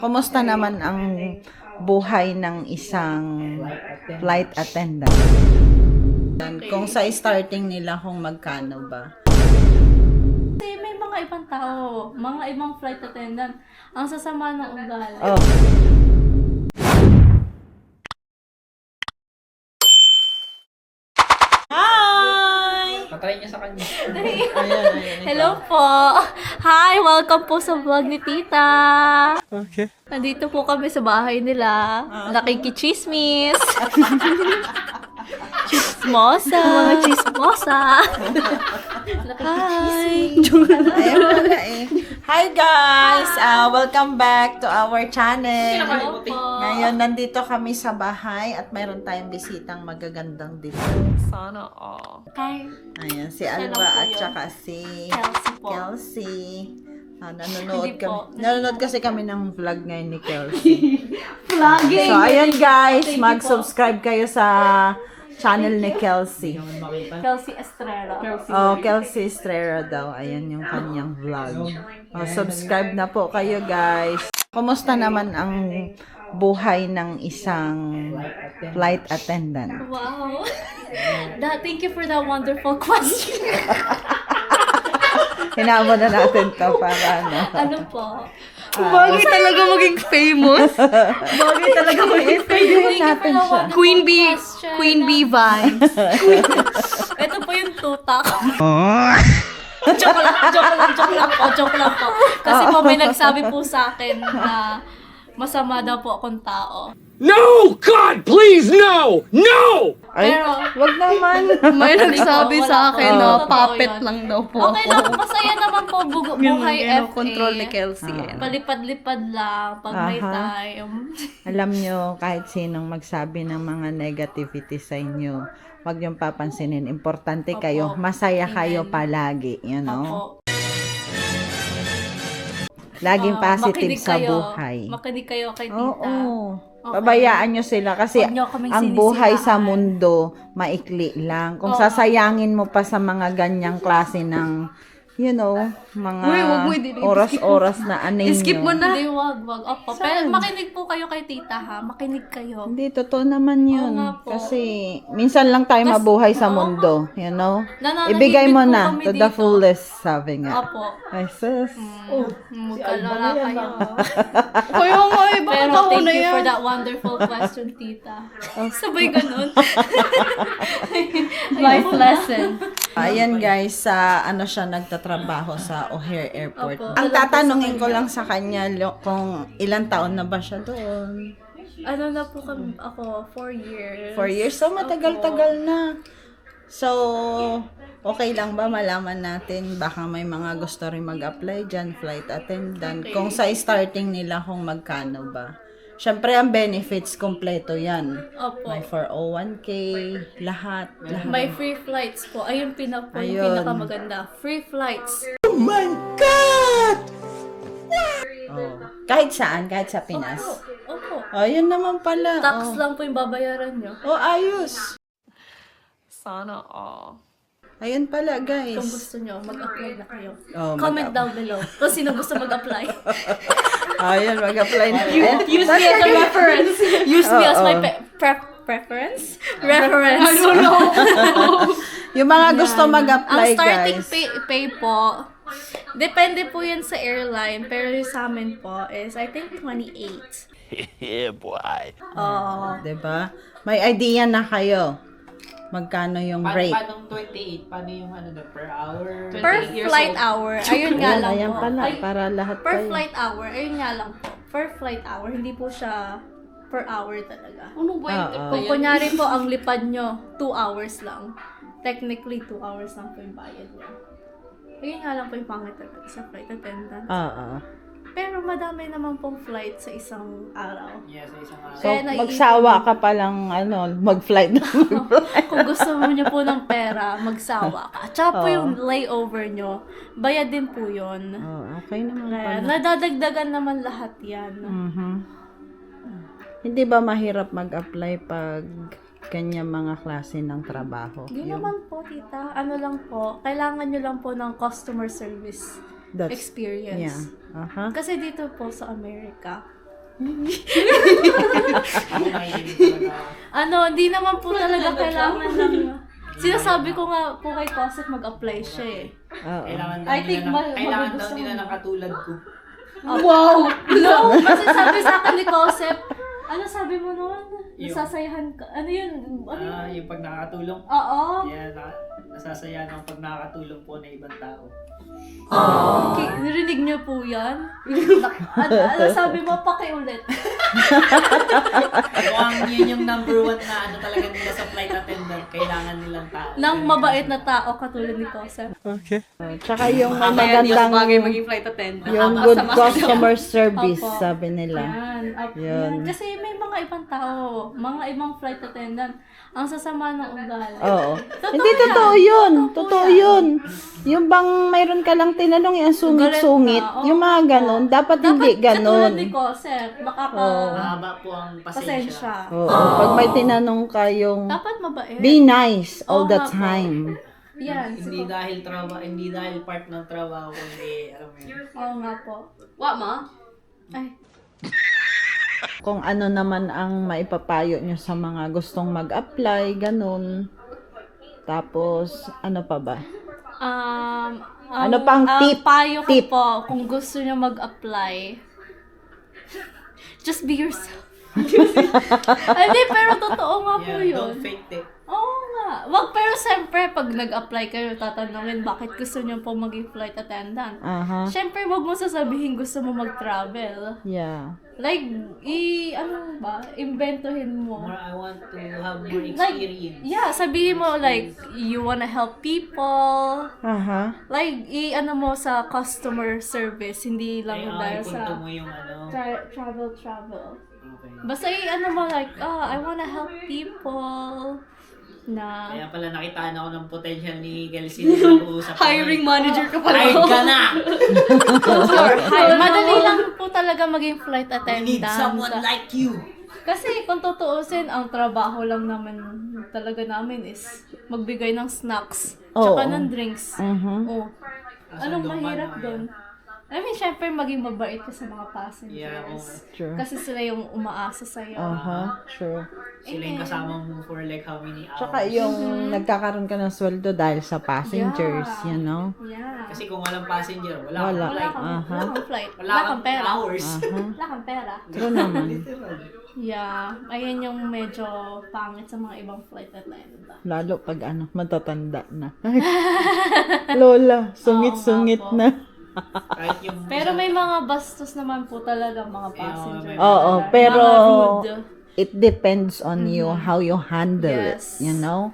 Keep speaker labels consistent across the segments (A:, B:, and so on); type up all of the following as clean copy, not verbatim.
A: Kumusta naman ang buhay ng isang flight attendant? Kung sa starting nila kung magkano ba?
B: Kasi may mga ibang tao, mga ibang flight attendant, ang sasama ng ugali.
A: Oh. Hi!
C: Patry niya sa kanya.
A: Ayan.
B: Hello po! Hi! Welcome po sa vlog ni Tita!
A: Okay.
B: Nandito po kami sa bahay nila. Nakikichismis! Chismosa! Mga chismosa! Hi!
A: Ayan pala eh. Hi guys! Welcome back to our channel.
B: Hello po!
A: Ngayon, nandito kami sa bahay at mayroon tayong bisitang magagandang dito.
B: Sana all. Hi!
A: Ayan, si
B: Siya lang
A: Alba
B: po
A: at
B: yun.
A: saka si
B: Kelsey po.
A: Kelsey.
B: Hindi po.
A: Nanonood kasi kami ng vlog ngayon ni Kelsey.
B: Vlogging!
A: So, ayan guys,
B: Thank you
A: mag-subscribe kayo sa channel ni Kelsey.
B: Kelsey Estrella.
A: Oh, Kelsey Estrella daw. Ayan yung kanyang vlog. Oh, subscribe na po kayo guys. Kumusta naman ang buhay ng isang flight attendant?
B: Wow! Thank you for that wonderful question.
A: Hinamo na natin to para ano.
B: Ano po?
D: Bagay talaga maging famous.
A: Bagay talaga mag-famous
B: Thank you for
A: natin
B: the
A: siya.
B: wonderful
D: Queen Bee.
B: question.
D: Queen Bee vibes.
B: Ito po yung tutak. Joke lang po. Kasi po may nagsabi po sa akin na masama daw po akong tao.
C: No! God, please, no! No!
A: Ay,
B: Pero,
A: wag naman.
D: May nagsabi
B: Wala
D: sa
B: po.
D: akin
B: Oo.
D: na
B: Totoo
D: puppet
B: yun.
D: lang daw po
B: okay
D: ako.
B: lang, masaya naman po buhay
D: Yun,
B: FA.
D: control ni Kelsey.
B: Palipad-lipad lang pag may
A: Aha.
B: time.
A: Alam nyo, kahit sinong magsabi ng mga negativity sa inyo, wag yung papansinin. Importante
B: Opo.
A: kayo. Masaya
B: Amen.
A: kayo palagi. You know?
B: Opo.
A: Laging positive
B: Makinig
A: sa
B: kayo.
A: buhay.
B: Makinig kayo kay Tita.
A: Oo.
B: Okay.
A: Pabayaan nyo sila kasi
B: Huwag nyo kaming
A: ang buhay sa
B: sinisiraan.
A: mundo maikli lang. Kung
B: Oo.
A: sasayangin mo pa sa mga ganyang klase ng, you know, mga
D: Uy, wag mo, i-skip mo.
A: oras-oras na anay
D: I-skip mo
A: nyo.
D: na.
B: Hindi, wag. Opo. Pero makinig po kayo kay Tita, ha? Makinig kayo.
A: Hindi, totoo naman yun.
B: Oo nga po.
A: Kasi minsan lang tayo mabuhay sa
B: oo
A: mundo, you know?
B: Nananahimik
A: Ibigay mo
B: po
A: na
B: kami
A: to the
B: dito.
A: fullest, sabi nga.
B: Opo.
A: Ay, sus.
B: Magkalala kayo.
D: Kaya nga eh, baka
B: Pero
D: ako
B: thank
D: na
B: you
D: yan.
B: for that wonderful question, Tita. Sabay ganun.
D: Life lesson.
A: Ayan guys, sa ano siya nagtatrabaho sa O'Hare Airport.
B: Opo.
A: Ang tatanungin ko lang sa kanya kung ilang taon na ba siya doon.
B: Ano na po kami, ako, 4 years.
A: 4 years? So, matagal-tagal na. So, okay lang ba malaman natin baka may mga gusto rin mag-apply dyan, flight attendant,
B: Okay.
A: kung sa starting nila kung magkano ba. Siyempre, ang benefits, kompleto yan.
B: Opo.
A: May 401k, lahat.
B: May free flights po. Ayun yung
A: Ayun.
B: pinakamaganda. Free flights.
A: Oh. Kahit saan, kahit sa Pinas.
B: Opo.
A: Oh, yun naman pala.
B: Tax
A: oh.
B: lang po yung babayaran nyo.
A: Oh, ayos.
D: Sana all.
A: Ayun pala,
B: Kung
A: guys.
B: gusto nyo, mag-apply na kayo.
A: Oh,
B: Comment down below kung sino gusto mag-apply.
A: Ayun, mag-apply na.
B: Use me as a reference. Use me as my
A: Oo.
B: preference? Reference. I don't know.
A: Yung mga gusto
B: Ang
A: mag-apply,
B: starting
A: guys.
B: pay po, depende po yan sa airline, pero yung sa amin po is, I think, 28.
C: Yeah, boy.
B: Oh.
A: Diba? May idea na kayo. Magkano yung rate?
C: Paano 28? Paano yung ano na per hour?
B: Per flight hour, ayun nga lang
A: Ayan
B: po.
A: pala,
B: Ay,
A: para lahat
B: per
A: kayo.
B: flight hour, ayun nga lang po. Per flight hour, hindi po siya per hour talaga.
D: Ano ba yung
A: Oo.
B: Kung kunyari po, ang lipad nyo, 2 hours lang. Technically, 2 hours lang po yung bayad nyo. Ayun nga lang po yung pangit talaga sa flight attendant.
A: Oo.
B: Pero madami naman pong flight sa isang araw.
C: Yeah, sa isang araw.
A: So,
B: Kaya naiipon-
A: magsawa ka palang, mag-flight na mag-flight.
B: Kung gusto mo nyo po ng pera, magsawa ka. Tsaka po
A: Oo.
B: yung layover nyo, bayad din po yun.
A: Oh, okay naman
B: Kaya
A: pala.
B: nadadagdagan naman lahat yan.
A: Mhm. Hindi ba mahirap mag-apply pag kanya mga klase ng trabaho?
B: Hindi naman po, tita. Ano lang po, kailangan nyo lang po ng customer service
A: That's,
B: experience.
A: yeah. Aha.
B: Kasi dito po sa Amerika, Hindi naman po talaga kailangan ng... Sinasabi ko nga po kay Cosette mag-apply siya eh.
A: Oo.
B: I think
E: Kailangan daw
B: magugustuhan
E: nila
B: mo.
E: ng katulad ko.
B: Wow! No! Kasi sabi sa akin ni Cosette, ano sabi mo noon? Nasasayahan ka. Ano yun? Ano yun?
E: Yung pag nakakatulong.
B: Oo.
E: Yeah, nasasayahan ako pag nakakatulong po ng ibang tao.
B: Okay, narinig niyo po yan? Ano sabi mo? Pakiulit.
E: Mukhang yun yung number one na ano talaga nila sa flight attendant. Kailangan nilang tao.
B: Nang mabait na tao katulad ni Cosette.
A: Tsaka yung may magandang,
D: maging flight attendant.
A: yung good customer service,
B: Opo.
A: sabi nila.
B: Yan.
A: Yun.
B: Kasi may mga ibang tao, mga ibang flight attendant, ang sasama ng ugali.
A: Oo.
B: Totoo
A: Hindi,
B: yan.
A: totoo yun.
B: Totoo
A: Totoo
B: yan.
A: yun. Yung bang mayroon ka lang tinanong yung sungit-sungit,
B: Galit na.
A: yung mga ganon, dapat hindi ganon.
B: Katulad ni Cosette, makaka...
E: Mahaba po ang pasensya.
B: Pasensya.
A: Oo. Pag may tinanong ka yung
B: Dapat mabait.
A: be nice all
B: Oo
A: the
B: nga po.
A: time.
B: Yan.
E: Hindi dahil hindi dahil part ng trabaho, kundi alam mo yun.
B: Oo nga po.
D: What, ma?
B: Ay.
A: Kung ano naman ang maipapayo nyo sa mga gustong mag-apply, ganun. Tapos, ano pa ba? Ano pang tip?
B: Payo ko
A: Tip.
B: po, kung gusto niyo mag-apply, just be yourself. Hindi, pero totoo nga po
E: Yeah,
B: yun.
E: don't fake it.
B: Oo nga. Pero siyempre, pag nag-apply kayo, tatanungin bakit gusto niyo po maging flight attendant.
A: Aha.
B: Siyempre, wag mo sasabihin gusto mo mag-travel.
A: Yeah.
B: Like, imbentohin mo.
E: I want to have more
B: Like,
E: experience.
B: yeah, sabihin mo, like, you wanna help people.
A: Aha.
B: Like, ano mo sa customer service, hindi lang dahil
E: Ipunto
B: sa
E: mo yung ano.
B: travel.
E: Okay.
B: Basta ano mo, like, I wanna help people na...
E: Kaya pala nakitaan ako ng potential ni Kelsey na nag-uusap.
D: Hiring manager ka pala.
E: Hired ka na!
B: Madali lang po talaga maging flight
E: We
B: attendant.
E: need someone like you.
B: Kasi kung tutuusin, ang trabaho lang naman talaga namin is magbigay ng snacks, tsaka
A: Oo.
B: ng drinks.
A: Mhm.
B: Oh. Anong
E: Asan
B: mahirap
E: doon?
B: doon? I mean, syempre maging mabait ka sa mga
E: Yeah, oo.
B: passengers.
A: True.
B: Kasi sila yung umaasa sa'yo.
A: Aha. True.
E: Sila yung kasama mo for like how many hours.
A: Tsaka yung nagkakaroon ka ng sweldo dahil sa passengers,
B: Yeah.
A: you know?
B: Yeah.
E: Kasi kung walang passenger, wala
A: Wala.
E: kang
B: Wala
E: flight.
B: kang,
A: Aha.
B: wala kang flight.
E: Wala
B: Wala kang pera.
E: hours.
A: Aha.
B: Wala kang pera.
A: True naman.
B: Yeah. Ayan yung medyo pangit sa mga ibang flight attendant.
A: Lalo pag matatanda na. Lola, sungit-sungit
B: Oo nga po.
A: na.
E: Kahit yung
B: Pero may mga bastos naman po talaga mga passengers.
A: Oo,
B: Mga
A: pero
B: rude.
A: it depends on you, how you handle
B: Yes.
A: it, you know?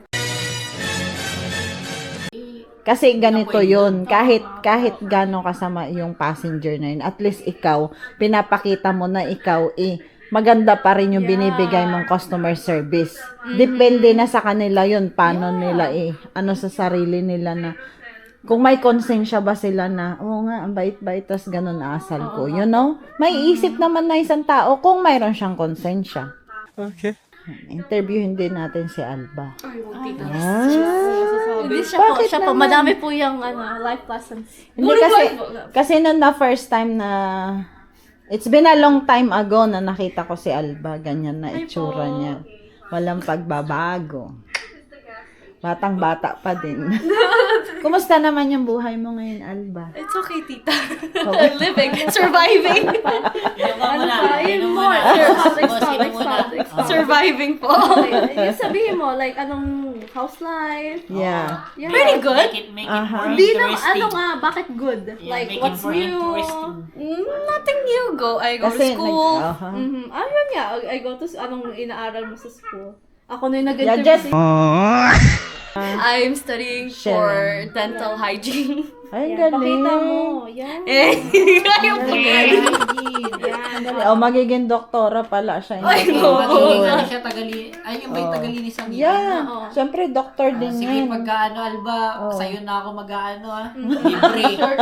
A: Kasi ganito yun, kahit gano'ng kasama yung passenger na yun, at least ikaw, pinapakita mo na ikaw, maganda pa rin yung binibigay mong customer service. Depende na sa kanila yun, paano nila ano sa sarili nila na, kung may konsensya ba sila na, oo nga, ang bait-bait, tas ganun asal ko, you know? May isip naman na isang tao kung mayroon siyang konsensya.
C: Okay.
A: Interviewin din natin si Alba.
D: I won't take that.
B: Hindi siya po,
A: Bakit
B: siya po.
A: naman?
B: Madami po yung life lessons.
A: Hindi kasi nung na first time na, it's been a long time ago na nakita ko si Alba, ganyan na itsura niya. Walang pagbabago. Batang-bata pa din. Kumusta naman yung buhay mo ngayon, Alba?
D: It's okay, tita. Living. Surviving.
E: Inom ka muna.
B: Yun
E: Inom
B: mo.
E: muna.
B: Expound,
E: Boss, inom muna.
D: Surviving po.
B: Yung sabihin mo, like, anong house life?
A: Yeah.
B: Yeah.
D: Pretty good.
E: Make it more
B: Hindi na,
E: interesting.
B: bakit good?
E: Yeah,
B: Like,
E: make it
B: what's
E: more
B: new?
E: interesting.
D: Nothing new. I go to
A: Kasi,
D: school.
B: Yun nga. I go to, anong inaaral mo sa school? Ako na yung
A: Yeah,
B: nag-interview.
A: just,
D: I'm studying for dental hygiene.
A: ay,
B: Yan,
A: galing.
B: pakita mo. Yan.
D: Ayaw po.
B: Yan.
A: O, magiging doktora pala siya.
D: Ay,
A: Hindi
D: no.
A: ko-
E: Magiging ano siya, ay yung ba yung tagalinisan niya?
A: Yeah. Siyempre, doktor din
E: Sige,
A: yan.
E: pagkaano, Alba, sa'yo na ako mag-ano, ha? Libre.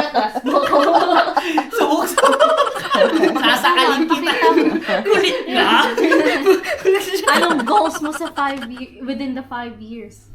E: Subok-subok. Sasakalin kita. Kulit na.
B: Anong goals mo sa within the 5 years?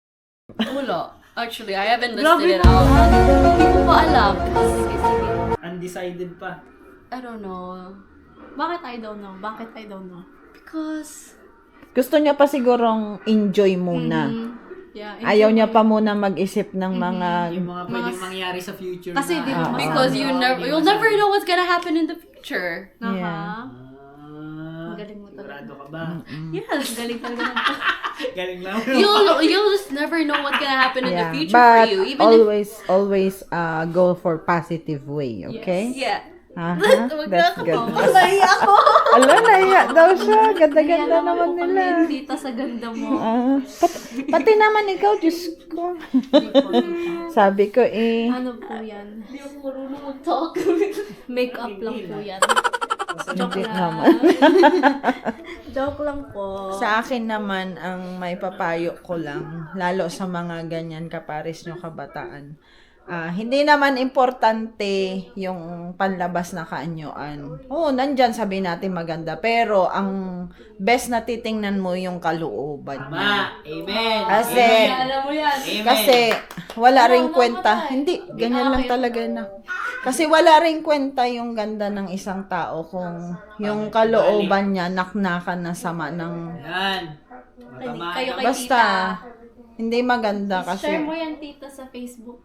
D: Wala. Actually, I haven't listed it out. Hindi ko pa alam.
E: Ano undecided pa.
D: I don't know.
B: Bakit I don't know? Bakit I don't know?
D: Because
A: Gusto niya pa sigurong enjoy muna.
B: Yeah.
A: Ayaw niya pa muna mag-isip ng mga...
E: Yung mga pwedeng mangyari sa future
B: Kasi di ba,
D: because you'll never know what's gonna happen in the future.
A: Yeah.
B: Ang galing mo talaga.
E: Sigurado ka ba?
D: Yes.
B: Galing talaga ng
E: Galing lang.
D: You'll just never know what's gonna happen in the
A: Yeah.
D: future for
A: But
D: you. Even if
A: always go for positive way, okay?
D: yeah.
A: Aha,
D: Wag
A: that's
D: na
A: good.
D: Malaya ako.
A: Ala, naiya daw siya. Ganda-ganda naman nila.
B: Tita sa ganda mo.
A: Pati naman ikaw, Diyos ko. Sabi ko
B: Ano po yan? Hindi ako marunong mag-talk. Make-up lang po yan. Joke
A: Hindi
B: lang.
A: naman.
B: Joke lang po.
A: Sa akin naman, ang may papayo ko lang, lalo sa mga ganyan kapares nyo kabataan, hindi naman importante yung panlabas na kaanyuan. Oo, nandyan sabi natin maganda, pero ang best na titingnan mo yung kalooban niya.
E: Ma, amen.
A: Kasi,
B: Alam mo yan.
E: Amen.
A: kasi wala ring
B: Ano,
A: kwenta.
B: namatay.
A: Hindi, ganyan lang talaga na. Kasi wala ring kwenta yung ganda ng isang tao kung yung kalooban niya naknakan na sama ng...
E: Yan.
B: Kayo kay
A: Basta,
B: tita.
A: hindi maganda
B: Share
A: kasi...
B: mo yan, tita, sa Facebook.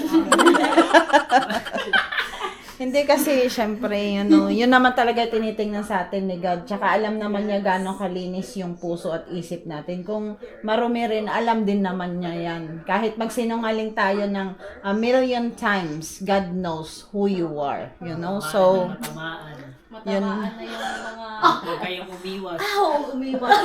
A: Hindi kasi, syempre, yun naman talaga tinitingnan sa atin ni God. Tsaka alam naman niya gano'ng kalinis yung puso at isip natin. Kung marumi rin, alam din naman niya yan. Kahit magsinungaling tayo ng a million times, God knows who you are. You know? So,
E: Matamaan.
B: Matamaan na yung mga...
E: Huwag kayong umiwas.
B: umiwas.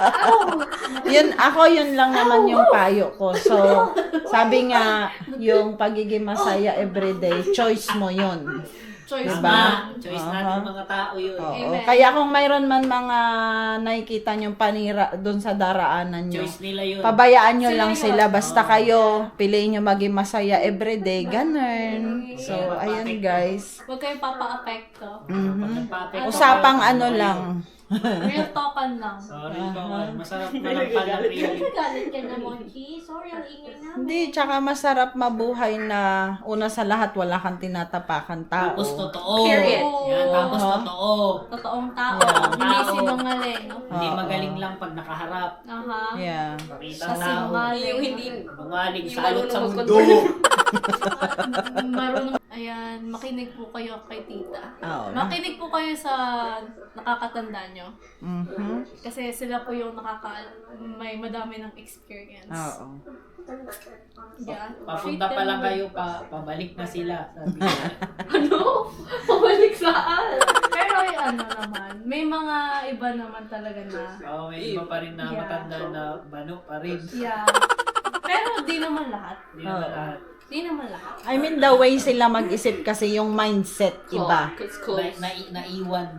A: yun lang naman yung payo ko. So, sabi nga, yung pagiging masaya everyday, choice mo yun.
B: Choice
A: Diba?
E: Choice natin mga tao yun.
A: Oo.
B: Amen.
A: Kaya kung mayroon man mga nakikita nyong panira doon sa daraanan nyo,
E: Choice nila yun.
A: pabayaan nyo lang sila. Basta kayo, piliin nyo maging masaya everyday. Ganun. So, ayun guys.
B: Huwag kayong papa-apekto.
E: Pag nagpa-apekto
A: Usapang
E: kayo,
A: ano lang.
B: Real talkan lang.
E: Sorry, masarap malampal ang really.
B: Galit ka na, Monchi. Sorry, ang ingay namin.
A: Hindi, tsaka masarap mabuhay na una sa lahat, wala kang tinatapakan tao.
E: Tapos totoo.
D: Period.
E: Yan, tapos totoo.
B: Totoong tao.
A: Yeah.
B: Hindi
E: Tao.
B: sinungaling. No?
E: Hindi magaling lang pag nakaharap.
B: Aha.
A: Yeah.
E: Pakita
B: Sa
E: tao.
B: sinungaling.
D: Yung hindi
E: Bungaling,
D: Yung
E: salot sa
D: marunong
E: mundo.
B: Marunong. Ayan, makinig po kayo kay tita.
A: Oo.
B: Makinig po kayo sa nakakatanda nyo.
A: Mhm.
B: Kasi sila po yung may madami ng experience.
A: Oo.
B: Yeah.
E: Papunta pa lang kayo, pabalik na sila. Sabi ko.
B: Ano? Pabalik saan? Pero ano naman, may mga iba naman talaga na.
E: Oo, may iba pa rin na
B: Yeah.
E: matanda na bano pa rin.
B: Yeah. Pero di naman lahat.
E: Hindi naman lahat.
B: Di naman lahat.
A: I mean, the way sila mag-isip kasi yung mindset iba.
D: It's cool.
E: Naiwan.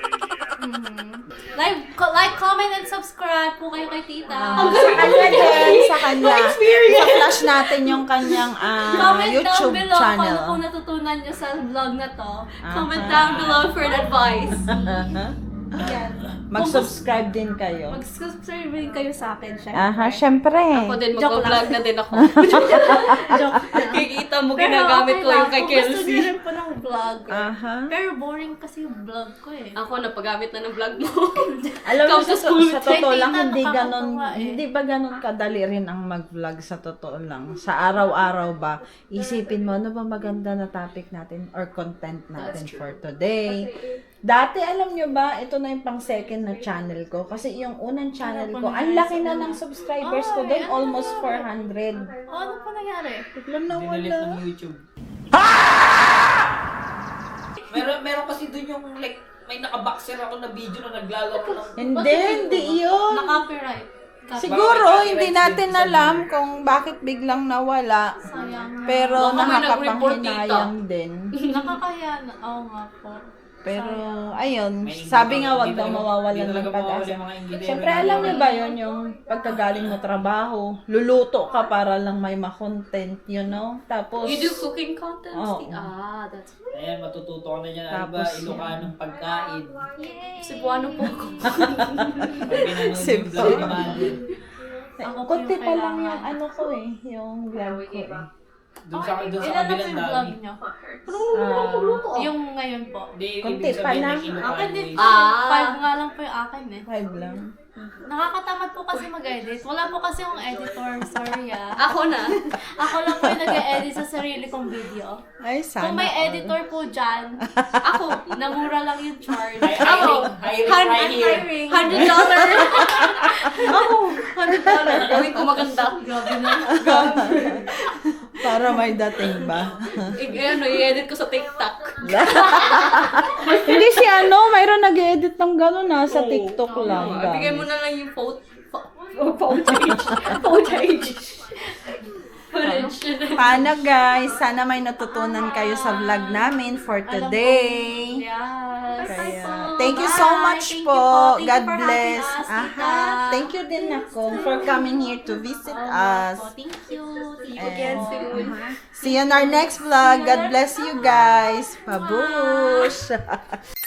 B: Like, comment, and subscribe po kayo kay tita.
A: Sa kanya din, sa kanya. I-flash natin yung kanyang
B: Comment
A: YouTube
B: down below
A: channel.
B: kung ano po natutunan nyo sa vlog na to.
D: Comment down below for advice.
B: Yan.
A: Mag-subscribe din kayo.
B: Mag-subscribe din kayo sa akin, syempre.
A: Aha, syempre.
D: Ako din,
B: Joke
D: mag-vlog na din ako.
B: Joke lang.
D: Kikita mo,
B: Pero
D: ginagamit
B: okay
D: ko yung
B: lang,
D: kay
B: kung gusto
D: Kelsey.
B: nyo rin po ng vlog.
A: Aha.
B: Pero boring kasi yung vlog ko eh.
D: Ako, napagamit na ng vlog mo.
A: Alam mo,
D: Come to
A: sa,
D: school
A: sa
D: with
A: totoo
B: Tita,
A: lang, hindi ganon,
B: nakakatawa eh.
A: hindi ba ganon kadali rin ang mag-vlog sa totoo lang? Sa araw-araw ba, isipin mo, ano ba maganda na topic natin or content natin for today? Dati, alam nyo ba, ito na yung pang second na channel ko. Kasi yung unang channel ko, ang laki na ng subscribers ko doon, almost 400.
B: Oh, ano po nangyari?
A: Biglang
E: Dinilit
A: nawala.
E: ng YouTube. Meron kasi doon yung like, may nakaboxer ako na video na naglalaro ng...
A: Hindi yun.
B: Na-copyright.
A: Siguro, hindi natin alam kung bakit biglang nawala.
B: Sayang.
A: Pero
D: Baka may nag-report,
A: nakakapanghinayang din.
B: Nakakaya na. Oo nga po.
A: Pero, ayun,
E: May
A: sabi nga wag
E: hindi
A: daw
E: talaga-
A: mawawalan
E: hindi
A: ng
E: talaga
A: pag-asa.
E: mawawala yung mga engineer
A: Siyempre,
E: na
A: alam
E: wala.
A: niyo ba yun, yung pagkagaling mo trabaho, luluto ka para lang may ma-content, you know? Tapos,
D: You do cooking contents?
A: Oo.
D: That's
E: Ayan, matututo ka na niya. Ano ba,
A: Tapos
E: Ilocanong pagkain.
D: Cebuano po ako.
E: Pag pinanood yung
A: Cebu.
E: vlog ni Manny.
B: Ako po
A: kunti
B: yung
A: pa lang
B: kailangan.
A: yung ano ko eh, yung vlog ko eh.
E: Doon sa
B: Ilan na po
E: kabilang
B: yung vlog
E: dami.
B: niyo?
A: Ah,
B: Yung ngayon po.
E: Hindi,
A: Konti
E: ibig
A: pa
E: sabihin
A: lang.
E: na kinuha
B: Akin
E: mo
B: din
E: eh.
B: po. 5 nga lang po yung akin eh.
A: 5 lang.
B: Nakakatamad po kasi mag-edit. Wala po kasi yung editor. Sorry ah.
D: Ako na.
B: Ako lang po yung nag-edit sa sarili kong video.
A: Ay, sana.
B: Kung may
A: all.
B: editor po dyan,
D: Ako.
B: namura lang yung charge.
E: Hiring right here.
B: Hiring.
D: $100. Ako. $100. Gawin ko maganda.
B: Grabe na.
A: Para may dating ba?
D: I-edit ko sa TikTok.
A: Hindi si ano, mayroon nag-edit ng gano'n sa TikTok lang.
D: Bigay mo na lang yung footage. Footage.
A: Paano guys? Sana may natutunan kayo sa vlog namin for today.
B: Yes.
A: Kaya, thank you so
B: Bye.
A: much
B: Thank you
A: po.
B: po. Thank you
A: God
B: for
A: bless.
B: having us,
A: Aha.
B: Tita.
A: Thank you din ako for coming here to visit us.
B: Thank you. See you
A: And-
B: again soon.
A: See you in our next vlog. God bless you guys. Pabush!